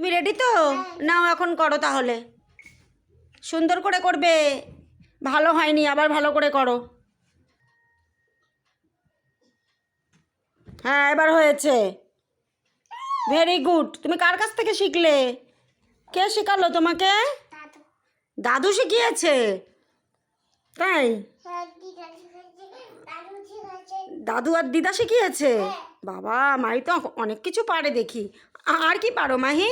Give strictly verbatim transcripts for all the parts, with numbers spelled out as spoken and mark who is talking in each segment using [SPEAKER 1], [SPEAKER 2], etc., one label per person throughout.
[SPEAKER 1] তুমি রেডি তো? নাও এখন করো তাহলে, সুন্দর করে করবে। ভালো হয়নি, আবার ভালো করে করো। হ্যাঁ এবার হয়েছে, ভেরি গুড। তুমি কার কাছ থেকে শিখলে? কে শেখালো তোমাকে? দাদু শিখিয়েছে? তাই? দাদু আর দিদা শিখিয়েছে? বাবা, মাহি তো অনেক কিছু পারে দেখি। আর কি পারো মাহি?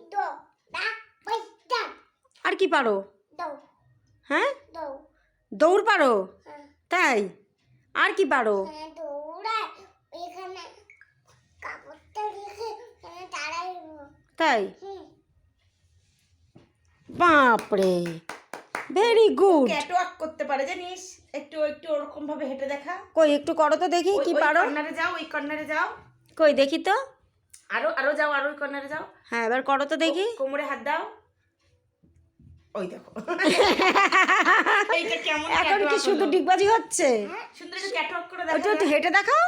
[SPEAKER 1] আর কি পারো? হ্যাঁ, দৌড় পারো? তাই? আর কি পারো? তাই? বাপরে, ভেরি গুড।
[SPEAKER 2] ক্যাটওয়াক করতে পারে জানিস, একটু একটু ওরকম ভাবে হেঁটে দেখা।
[SPEAKER 1] কই একটু করো তো দেখি কি পারো।
[SPEAKER 2] কর্নারে যাও, ওই কর্নারে যাও।
[SPEAKER 1] কই দেখি তো।
[SPEAKER 2] আরো আরো যাও, আরো ওই কর্নারে যাও।
[SPEAKER 1] হ্যাঁ এবার করো তো দেখি।
[SPEAKER 2] কোমরে হাত দাও। ওই দেখো এইটা কেমন?
[SPEAKER 1] এখন কি শুধু ডিগবাজি হচ্ছে?
[SPEAKER 2] সুন্দর একটু ক্যাটওয়াক করে
[SPEAKER 1] ওটা
[SPEAKER 2] দেখো।
[SPEAKER 1] একটু হেঁটে দেখাও।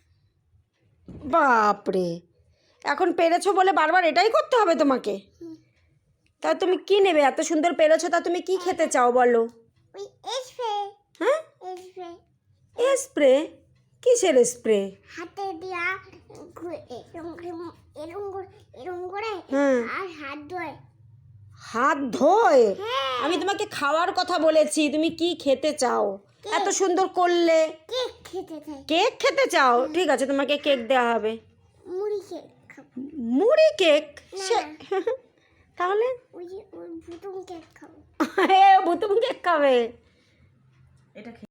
[SPEAKER 1] বাপরে, এখন পেরেছো বলে বারবার এটাই করতে হবে তোমাকে? তা তুমি কি নেবে? এত সুন্দর পেরেছো, তা তুমি কি খেতে চাও বলো? হ্যাঁ, স্প্রে? কিসের স্প্রে?
[SPEAKER 3] হাতে দিয়া এরকম এরকম এরকম করে
[SPEAKER 1] হ্যাঁ,
[SPEAKER 3] আর হাত ধোয়।
[SPEAKER 1] হাত ধোয়?
[SPEAKER 3] হ্যাঁ।
[SPEAKER 1] আমি তোমাকে খাওয়ার কথা বলেছি, তুমি কি খেতে চাও? এত সুন্দর করলে।
[SPEAKER 3] কেক খেতে চাই।
[SPEAKER 1] কেক খেতে চাও? ঠিক আছে, তোমাকে কেক দেওয়া হবে।
[SPEAKER 3] মুড়ি কেক খাবো।
[SPEAKER 1] মুড়ি কেক?
[SPEAKER 3] না।
[SPEAKER 1] সে তাহলে
[SPEAKER 3] ওই যে ওই ভুতুম কেক খাবো।
[SPEAKER 1] ভুতুম কেক খাবে?
[SPEAKER 2] এটা